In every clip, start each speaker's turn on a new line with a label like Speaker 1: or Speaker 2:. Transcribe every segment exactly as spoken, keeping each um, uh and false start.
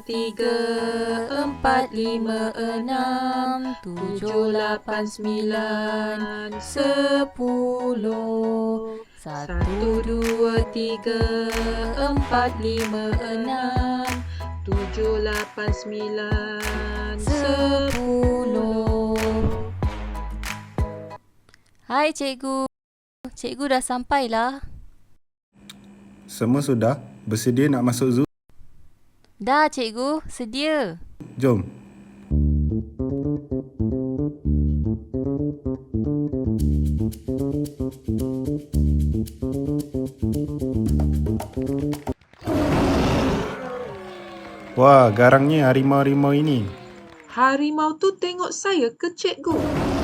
Speaker 1: tiga, empat, lima, enam, tujuh, lapan, sembilan, sepuluh. Satu, dua, tiga, empat, lima, enam, tujuh, lapan, sembilan, sepuluh.
Speaker 2: Hai cikgu. Cikgu dah sampailah.
Speaker 3: Semua sudah? Bersedia nak masuk zoo?
Speaker 2: Dah cikgu, sedia.
Speaker 3: Jom. Wah, garangnya harimau-harimau ini.
Speaker 1: Harimau tu tengok saya ke cikgu?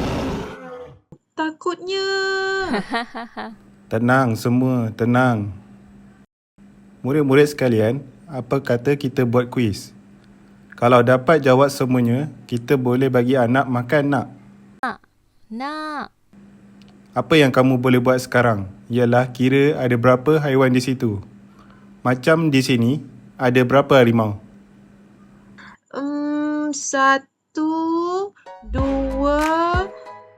Speaker 1: Takutnya.
Speaker 3: Tenang semua, tenang. Murid-murid sekalian, apa kata kita buat kuis? Kalau dapat jawab semuanya, kita boleh bagi anak makan nak?
Speaker 2: Nak. Nak.
Speaker 3: Apa yang kamu boleh buat sekarang ialah kira ada berapa haiwan di situ. Macam di sini, ada berapa harimau?
Speaker 1: Hmm, satu, dua.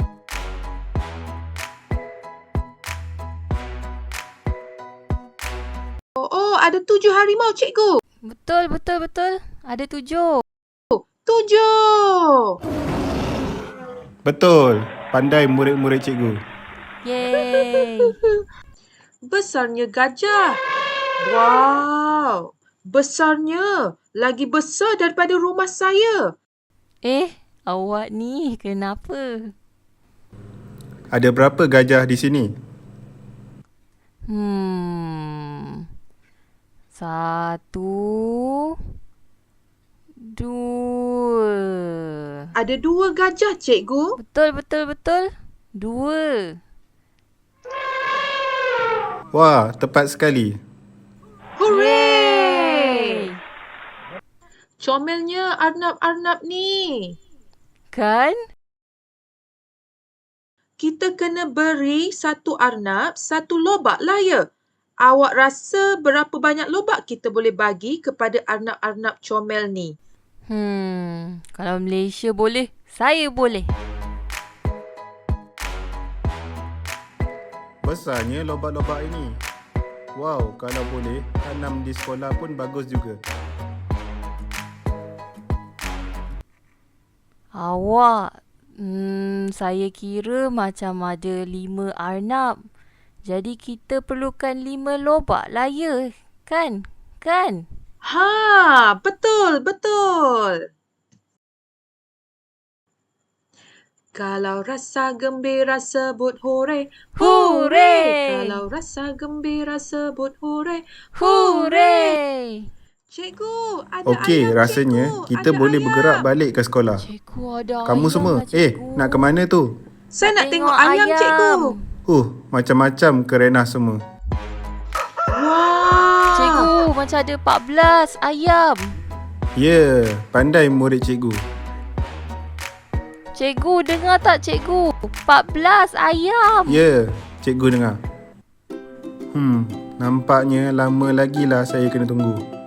Speaker 1: Oh, ada tujuh harimau, cikgu.
Speaker 2: Betul, betul, betul. Ada tujuh.
Speaker 1: Tujuh.
Speaker 3: Betul. Pandai murid-murid cikgu.
Speaker 2: Yeay.
Speaker 1: Besarnya gajah. Wow. Besarnya. Lagi besar daripada rumah saya.
Speaker 2: Eh, awak ni kenapa?
Speaker 3: Ada berapa gajah di sini?
Speaker 2: Hmm. Satu. Dua.
Speaker 1: Ada dua gajah, cikgu.
Speaker 2: Betul, betul, betul. Dua.
Speaker 3: Wah, tepat sekali.
Speaker 1: Hooray! Comelnya arnab-arnab ni.
Speaker 2: Kan?
Speaker 1: Kita kena beri satu arnab, satu lobak lah ya. Awak rasa berapa banyak lobak kita boleh bagi kepada arnab-arnab comel ni?
Speaker 2: Hmm. Kalau Malaysia boleh, saya boleh.
Speaker 3: Besarnya lobak-lobak ini. Wow, kalau boleh, tanam di sekolah pun bagus juga.
Speaker 2: Awak, hmm, saya kira macam ada lima arnab. Jadi kita perlukan lima lobak lah ya, kan? Kan?
Speaker 1: Ha, betul, betul. Kalau rasa gembira sebut hooray.
Speaker 2: Hooray!
Speaker 1: Kalau rasa gembira sebut hooray.
Speaker 2: Hooray!
Speaker 1: Cikgu, ada
Speaker 3: Okey,
Speaker 1: ayam,
Speaker 3: rasanya
Speaker 1: cikgu.
Speaker 3: kita
Speaker 1: Ada
Speaker 3: boleh
Speaker 1: ayam.
Speaker 3: bergerak balik ke sekolah.
Speaker 2: Cikgu ada
Speaker 3: Kamu
Speaker 2: ayam
Speaker 3: semua,
Speaker 2: lah,
Speaker 3: eh,
Speaker 2: cikgu.
Speaker 3: nak ke mana tu?
Speaker 1: Saya nak tengok,
Speaker 2: tengok
Speaker 1: ayam,
Speaker 2: ayam.
Speaker 1: cikgu.
Speaker 3: Uh, macam-macam kerenah semua.
Speaker 1: Wah.
Speaker 2: Cikgu, macam ada empat belas ayam.
Speaker 3: Ya, yeah, pandai murid cikgu.
Speaker 2: Cikgu, dengar tak cikgu? empat belas ayam.
Speaker 3: Ya, yeah, cikgu dengar. Hmm, nampaknya lama lagi lah saya kena tunggu.